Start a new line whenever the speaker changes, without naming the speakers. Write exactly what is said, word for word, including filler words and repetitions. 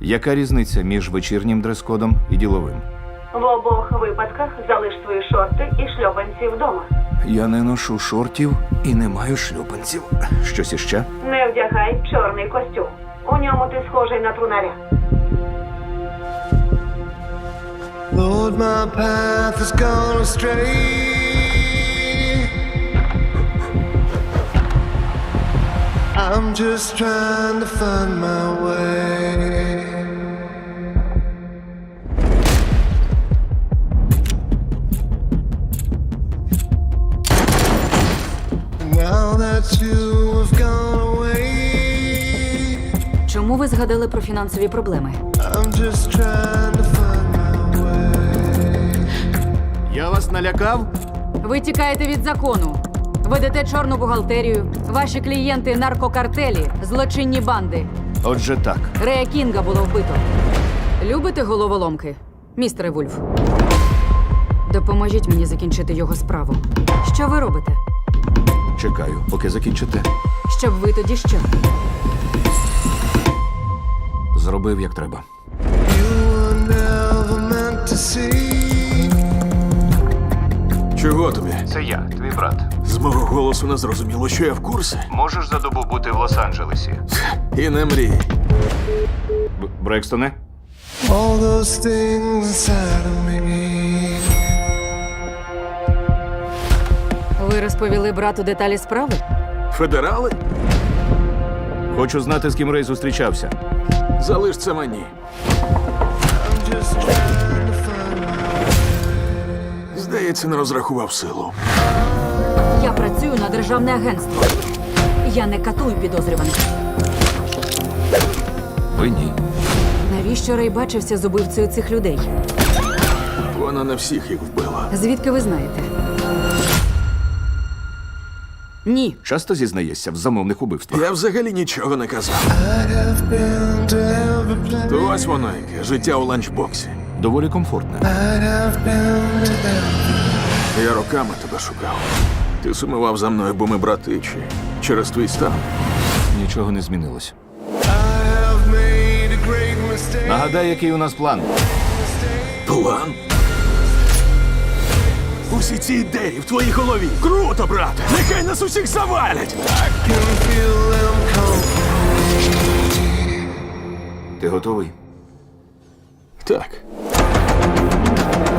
Яка різниця між вечірнім дрес-кодом і діловим?
В обох випадках залиш свої шорти і шльопанці вдома.
Я не ношу шортів і не маю шлюпанців. Щось іще?
Не вдягай чорний костюм. У ньому ти схожий на трунаря.
Lord, my path has gone astray. I'm just trying to find my way. Now that you have gone away,
Чому ви згадали про фінансові проблеми?
I'm just trying to find my way.
Я вас налякав?
Ви тікаєте від закону. Ведете чорну бухгалтерію. Ваші клієнти – наркокартелі, злочинні банди.
Отже так.
Рея Кінга було вбито. Любите головоломки, містере Вульф? Допоможіть мені закінчити його справу. Що ви робите?
Чекаю, поки закінчите.
Щоб ви тоді що?
Зробив, як треба.
You were never meant to see.
Чого тобі?
Це я, твій брат.
З мого голосу не зрозуміло, що я в курсі.
Можеш за добу бути в Лос-Анджелесі?
І не мрій.
Б- Брекстоне?
All those things inside of me.
Ви розповіли брату деталі справи?
Федерали?
Хочу знати, з ким Рей зустрічався.
Залиш це мені.
I'm just trying to find my
Здається, не розрахував силу.
Я працюю на державне агентство. Я не катую підозрюваних.
Ви ні.
Навіщо Рей бачився з убивцею цих людей?
Вона не всіх їх вбила.
Звідки ви знаєте? Ні.
Часто зізнаєшся в замовних убивствах.
Я взагалі нічого не казав.
I have been to every place.
То ось воно яке, життя у ланчбоксі.
Доволі комфортне.
I have been to every.
Я роками тебе шукав. Ти сумував за мною, бо ми брати чи через твій стан.
Нічого не змінилось.
I have made a great mistake.
Нагадай, який у нас план.
План? Усі ці ідеї в твоїй голові. Круто, брате! Нехай нас усіх завалять!
Can feel them come.
Ти готовий?
Так.